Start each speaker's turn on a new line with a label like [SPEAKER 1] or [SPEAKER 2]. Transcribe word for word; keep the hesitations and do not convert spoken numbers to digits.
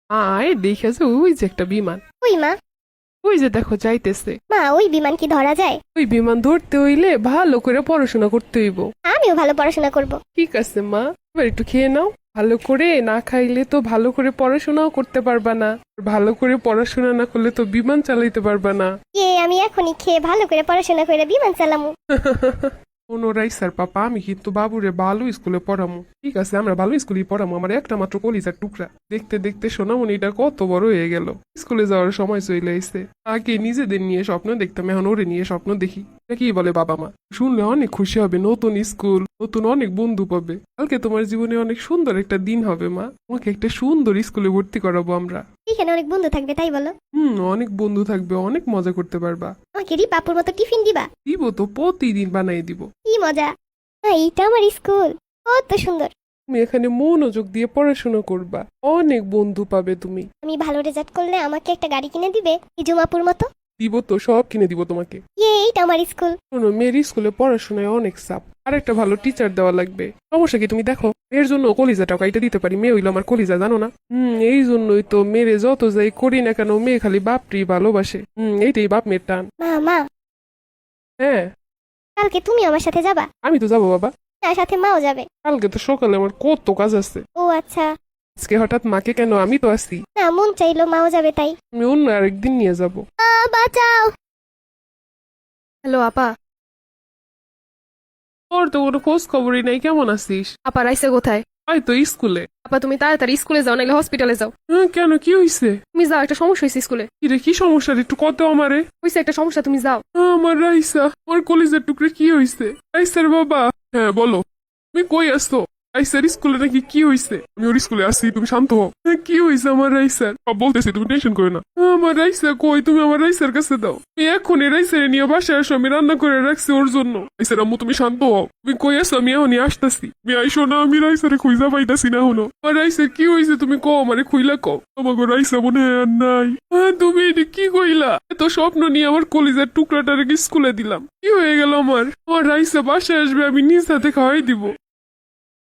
[SPEAKER 1] আয় দেখেছে ওই যে একটা বিমান।
[SPEAKER 2] ওই মা।
[SPEAKER 1] ওই যে দেখো যাইতেছে।
[SPEAKER 2] মা ওই বিমান কি ধরা যায়?
[SPEAKER 1] ওই বিমান ধরতে হইলে ভালো করে পড়াশোনা করতে হইব।
[SPEAKER 2] আমিও ভালো পড়াশোনা করব।
[SPEAKER 1] ঠিক আছে মা, এবার একটু খেয়ে নাও। ভালো করে না খাইলে তো ভালো করে পড়াশোনাও করতে পারবা না। ভালো করে পড়াশোনা না করলে তো বিমান চালাইতে পারবা না।
[SPEAKER 2] কে আমি এখনই খেয়ে ভালো করে পড়াশোনা করে বিমান চালামু।
[SPEAKER 1] পুনরাই স্যার পাপা, আমি কিন্তু বাবুরে ভালো স্কুলে পড়ামু। ঠিক আছে, আমরা ভালো স্কুলেই পড়ামু। আমার একটা মাত্র কলিজার টুকরা। দেখতে দেখতে সোনামণিটা কত বড় হয়ে গেল। স্কুলে যাওয়ার সময় চলে আইছে। আগে নিজেদের নিয়ে স্বপ্ন দেখতাম, এখন ওরে নিয়ে স্বপ্ন দেখি। এটা কি বলে বাবা মা? শুনলে অনেক খুশি হবে। নতুন স্কুল, নতুন অনেক বন্ধু পাবে। কালকে তোমার জীবনে অনেক সুন্দর একটা দিন হবে মা। তোমাকে একটা সুন্দর স্কুলে ভর্তি করাবো আমরা।
[SPEAKER 2] এখানে অনেক বন্ধু থাকবে তাই বলো?
[SPEAKER 1] হুম, অনেক বন্ধু থাকবে, অনেক মজা করতে পারবা।
[SPEAKER 2] আমাকে রিপাপুর মতো টিফিন দিবা?
[SPEAKER 1] দিব তো, প্রতিদিন বানাই দিব।
[SPEAKER 2] কি মজা। হ্যাঁ, এইটা আমার স্কুল, কত সুন্দর।
[SPEAKER 1] তুমি এখানে মনোযোগ দিয়ে পড়াশোনা করবা, অনেক বন্ধু পাবে তুমি।
[SPEAKER 2] আমি ভালো রেজাল্ট করলে আমাকে একটা গাড়ি কিনে দিবে হিজুমাপুর মতো?
[SPEAKER 1] দিব তো, সব কিনে দিব তোমাকে।
[SPEAKER 2] ইয়ে, এইটা আমার স্কুল।
[SPEAKER 1] শোনো, মেয়ের স্কুলে পড়াশোনায় অনেক চাপ, আর একটা ভালো টিচার দেওয়া লাগবে। সমস্যা কি তুমি দেখো, এর জন্য কলিজাটাও কাইটা দিতে পারি। মেয়ে হইলো আমার কলিজা, জানো না? হুম, এই জন্যই তো মেরে যত যাই করি না কেন, মেয়ে খালি বাপটি ভালোবাসে। হুম, এইটাই বাপ মেয়ের টান।
[SPEAKER 2] মা মা,
[SPEAKER 1] হ্যাঁ,
[SPEAKER 2] কালকে তুমি আমার সাথে যাবা?
[SPEAKER 1] আমি তো যাবো বাবা।
[SPEAKER 2] তার সাথে মাও যাবে?
[SPEAKER 1] কালকে তো সকালে আমার কত কাজ আছে।
[SPEAKER 2] ও আচ্ছা।
[SPEAKER 1] আজকে হঠাৎ মাকে কেন? আমি তো আছি।
[SPEAKER 2] না, মন চাইলো মাও যাবে তাই।
[SPEAKER 1] আমি অন্য আরেকদিন নিয়ে যাবো।
[SPEAKER 2] আ, বাঁচাও।
[SPEAKER 3] হ্যালো আপা।
[SPEAKER 1] তোর তো কোনো খোঁজ খবরই নাই, কেমন আছিস?
[SPEAKER 3] আপা রাইসে কোথায়?
[SPEAKER 1] আয় তো স্কুলে।
[SPEAKER 3] আপা তুমি তাড়াতাড়ি স্কুলে যাও, নাহলে হসপিটালে যাও।
[SPEAKER 1] হ্যাঁ, কেন, কি হয়েছে?
[SPEAKER 3] তুমি যাও, একটা সমস্যা হয়েছে স্কুলে।
[SPEAKER 1] কিরে, কি সমস্যা রে? একটু কত আমারে।
[SPEAKER 3] হয়েছে একটা সমস্যা, তুমি যাও।
[SPEAKER 1] আমার রাইসা, আমার কলিজার টুকরে, কি হয়েছে? রাইসার বাবা। হ্যাঁ বলো, তুমি কই আসছো? রাইসার স্কুলে নাকি কি হয়েছে? আমি ওর স্কুলে আসছি, তুমি শান্ত হও। হ্যাঁ, কি হয়েছে আমার রাইসার? সব বলতেছি, তুমি টেনশন করো না। আমার রাইসা কই? তুমি আমার রাইসার কাছে দাও। তুমি এখনই রাইসারে নিয়ে বাসায় আসো, আমি রান্না করে রাখছি ওর জন্য। রাইসার আম্মু, তুমি শান্ত হও। তুমি কই আসো? আমি এখনই আসতেছি। তুমি আইসো না, আমি রাইসারে খুঁজা পাইতাছি না হলো। আমার রাইসার কি হয়েছে তুমি কও, আমারে খুইলা কও। আমাকে রাইসা মনে হয় আর নাই। হ্যাঁ, তুমি এটা কি কইলা? এত স্বপ্ন নিয়ে আমার কলিজার টুকরাটারে স্কুলে দিলাম, কি হয়ে গেল আমার? আমার রাইসা বাসায় আসবে, আমি নিজ হাতে খাওয়াই দিব।